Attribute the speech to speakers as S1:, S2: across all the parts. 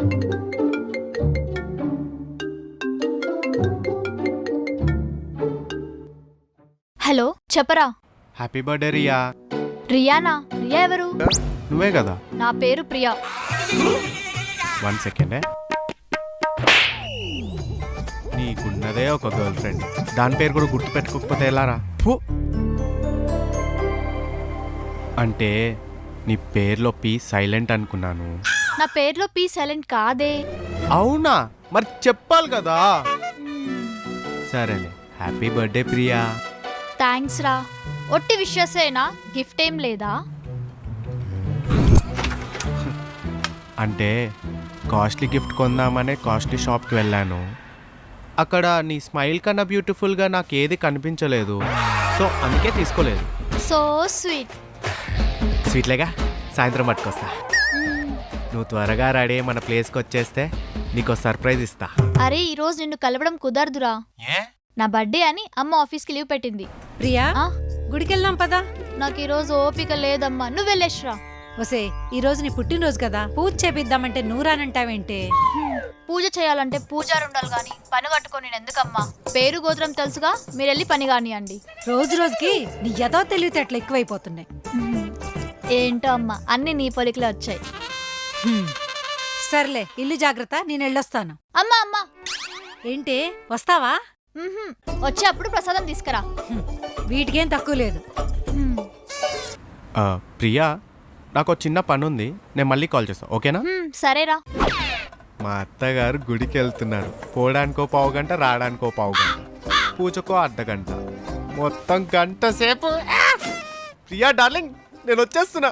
S1: Hello చెప్పరా.
S2: Happy birthday Riya.
S1: రియానా? రియా ఎవరు?
S2: నువ్వే కదా.
S1: నా పేరు ప్రియా.
S2: 1 సెకండ్. నీకున్నదే ఒక గర్ల్ ఫ్రెండ్, దాని పేరు కూడా గుర్తు పెట్టుకోకపోతే ఎలారా? అంటే నీ పేర్లో పీ సైలెంట్ అనుకున్నాను.
S1: నా పేరులో పీ సైలెంట్ కాదే.
S2: అవునా? మరి చెప్పాలి కదా. సరేలే, హ్యాపీ బర్త్డే ప్రియా.
S1: థ్యాంక్స్ రా. ఒట్టి విషయసేనా? గిఫ్ట్ ఏం లేదా?
S2: అంటే కాస్ట్లీ గిఫ్ట్ కొందామనే కాస్ట్లీ షాప్కి వెళ్ళాను. అక్కడ నీ స్మైల్ కన్నా బ్యూటిఫుల్గా నాకు ఏది కనిపించలేదు, సో అందుకే తీసుకోలేదు.
S1: So sweet.
S2: స్వీట్లేగా, సాయంత్రం పట్టుకొస్తా. నువ్వు త్వరగా రెడీ మన ప్లేస్కి వచ్చేస్తే నీకు సర్ప్రైజ్ ఇస్తా.
S1: అరే ఈరోజు నిన్ను కలవడం కుదరదురా. నా బర్త్డే అని అమ్మ ఆఫీస్కి లీవ్ పెట్టింది.
S3: ప్రియా, గుడికెళ్దాం పదా.
S1: నాకు ఈరోజు ఓపిక లేదమ్మా, నువ్వు వెళ్ళేశ్రా.
S3: ఒసే, ఈరోజు నీ పుట్టినరోజు కదా, పూజ చేపిద్దామంటే నూరానంటావేంటే?
S1: పూజ చేయాలంటే పూజారు ఉండాలి గాని పని కట్టుకొని నేను ఎందుకమ్మా? పేరు గోత్రం తెలుసుగా, మీరు వెళ్ళి పని కానియండి.
S3: రోజు రోజుకి నీ ఎదో తెలివితే అట్లా ఎక్కువైపోతున్నాయి.
S1: ఏంటో అమ్మా, అన్ని నీ పొలికలే వచ్చాయి.
S3: సర్లే, ఇల్లు జాగ్రత్త, నేను వెళ్ళొస్తాను.
S1: అమ్మా అమ్మా.
S3: ఏంటి, వస్తావా?
S1: వచ్చేప్పుడు ప్రసాదం తీసుకురా.
S3: వీటికేం తక్కువ లేదు.
S2: ప్రియా, నాకు ఒక చిన్న పని ఉంది, నేను మళ్ళీ కాల్ చేస్తాను, ఓకేనా?
S1: సరేరా.
S2: మా అత్తగారు గుడికి వెళ్తున్నారు. పోవడానికో పావుగంట, రావడానికో పావుగంట, పూజకో అర్ధగంట, మొత్తం గంట సేపు. ప్రియా డార్లింగ్, నేను వచ్చేస్తున్నా.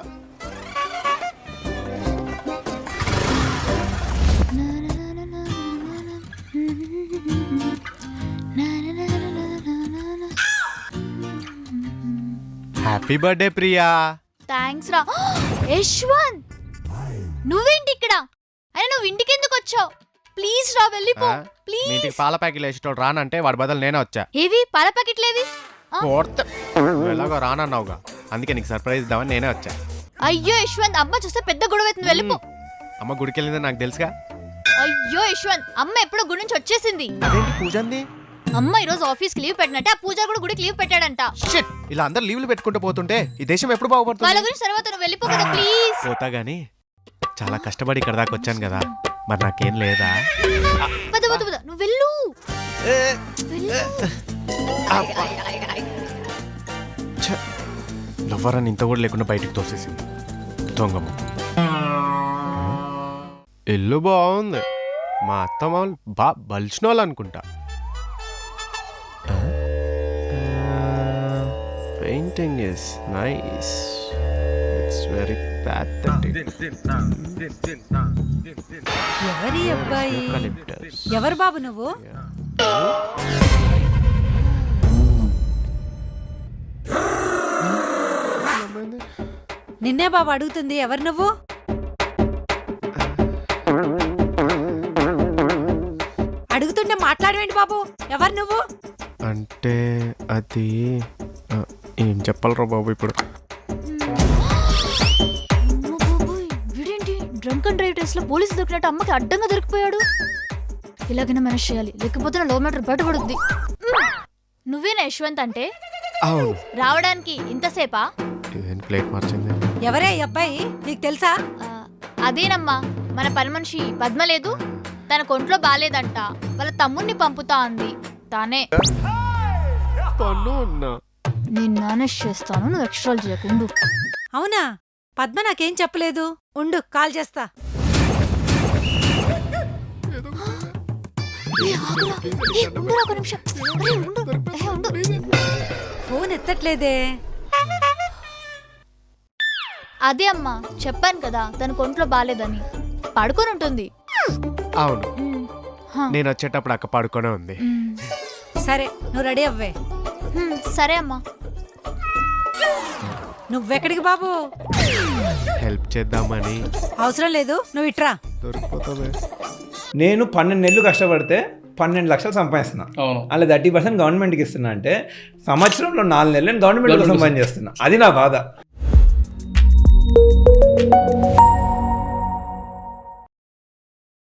S2: Happy birthday Priya.
S1: థ్యాంక్స్ రా. యశ్వంత్, నువ్వేంటి ఇక్కడ? అరే నువ్వు ఇంటికి ఎందుకు వచ్చావు? ప్లీజ్ రా, వెళ్ళిపో ప్లీజ్.
S2: ఇంటికి పాల ప్యాకెట్లు వేసేటోడు రానంటే వాడి బదులు నేనే వచ్చా.
S1: ఏవి పాల ప్యాకెట్లేవి?
S2: ఎలాగో రానన్నావుగా, అందుకే నీకు సర్ప్రైజ్ ఇద్దామని నేనే వచ్చా.
S1: అయ్యో యశ్వంత్, అమ్మ చూస్తే పెద్ద గొడవ అవుతుంది, వెళ్ళిపో.
S2: అమ్మ గుడికి వెళ్ళిందని నాకు తెలుసుగా.
S1: అయ్యో యశ్వంత్, అమ్మ ఎప్పుడో గుడి నుంచి వచ్చేసింది.
S2: అదేంటి పూజ అంది?
S1: అమ్మ ఈరోజు ఆఫీస్కి లీవ్ పెట్టినట్టే ఆ పూజ కూడా గుడికి లీవ్ పెట్టాడంట.
S2: షిట్, ఇలా అందరు లీవ్లు పెట్టుకుంటూ పోతుంటే ఈ దేశం ఎప్పుడు బాగుపడుతుంది?
S1: వాళ్ళ గురించి తర్వాత నువ్వు వెళ్ళిపో కదా ప్లీజ్.
S2: పోతా గానీ చాలా కష్టపడి ఇక్కడ దాకా వచ్చాను కదా, మరి నాకేం లేదా?
S1: పద పద పద, నువ్వు వెళ్ళు.
S2: లవ్వరాన్ని ఇంత కూడా లేకుండా బయటికి తోసేసింది దొంగమ్మ. ఇల్లు బాగుంది, మా అత్త మామూలు బలిచిన వాళ్ళు అనుకుంటా. Painting is nice, it's very pathetic.
S3: ఎవరి అబ్బాయి?
S2: Eucalyptus.
S3: ఎవరు బాబు నువ్వు? నిన్నే బాబు అడుగుతుంది, ఎవరు నువ్వు? అడుగుతుంటే మాట్లాడవేంటి బాబు? ఎవరు నువ్వు?
S2: అంటే అది ఏం చెప్పాలరా బాబు ఇప్పుడు?
S1: వీడేంటి డ్రంక్ అండ్ డ్రైవ్ టెస్ట్ లో పోలీసు దొరికినట్టు అమ్మకి అడ్డంగా దొరికిపోయాడు. ఇలాగైనా మేనేజ్ చేయాలి, లేకపోతే నా లవ్ మ్యాటర్ బయటపడుద్ది. నువ్వేనా యశ్వంత్ అంటే?
S2: అవును.
S1: రావడానికి ఇంతసేపా?
S2: ప్లేట్ మార్చింది.
S3: ఎవరే ఈ అబ్బాయి, నీకు తెలుసా?
S1: అదేనమ్మా, మన పని మనిషి పద్మ లేదు, తన కొంట్లో బాలేదంట, వాళ్ళ తమ్ముణ్ణి పంపుతా అంది. తానే. నేను మేనేజ్ చేస్తాను, నువ్వు ఎక్స్ట్రాలు చేయకుండు.
S3: అవునా? పద్మ నాకేం చెప్పలేదు. ఉండు, కాల్ చేస్తా. ఫోన్ ఎత్తట్లేదే.
S1: అదే అమ్మా, చెప్పాను కదా తన కొంట్లో బాలేదని, పడుకొని ఉంటుంది.
S2: అవును, నేను వచ్చేటప్పుడు అక్క పడుకొనే ఉంది.
S3: సరే, నువ్వు రెడీ అవ్వే.
S1: సరే అమ్మా.
S3: నువ్వెక్కడికి బాబు?
S2: హెల్ప్ చేద్దామని.
S3: అవసరం లేదు, నువ్వు ఇట్రా.
S2: దొరికిపోతుంది.
S4: నేను 12 నెలలు కష్టపడితే 12 లక్షలు సంపాదిస్తున్నా. అలా 30% గవర్నమెంట్కి ఇస్తున్నా అంటే సంవత్సరంలో 4 నెలలు నేను గవర్నమెంట్ కోసం పని చేస్తున్నా. అది నా బాధ.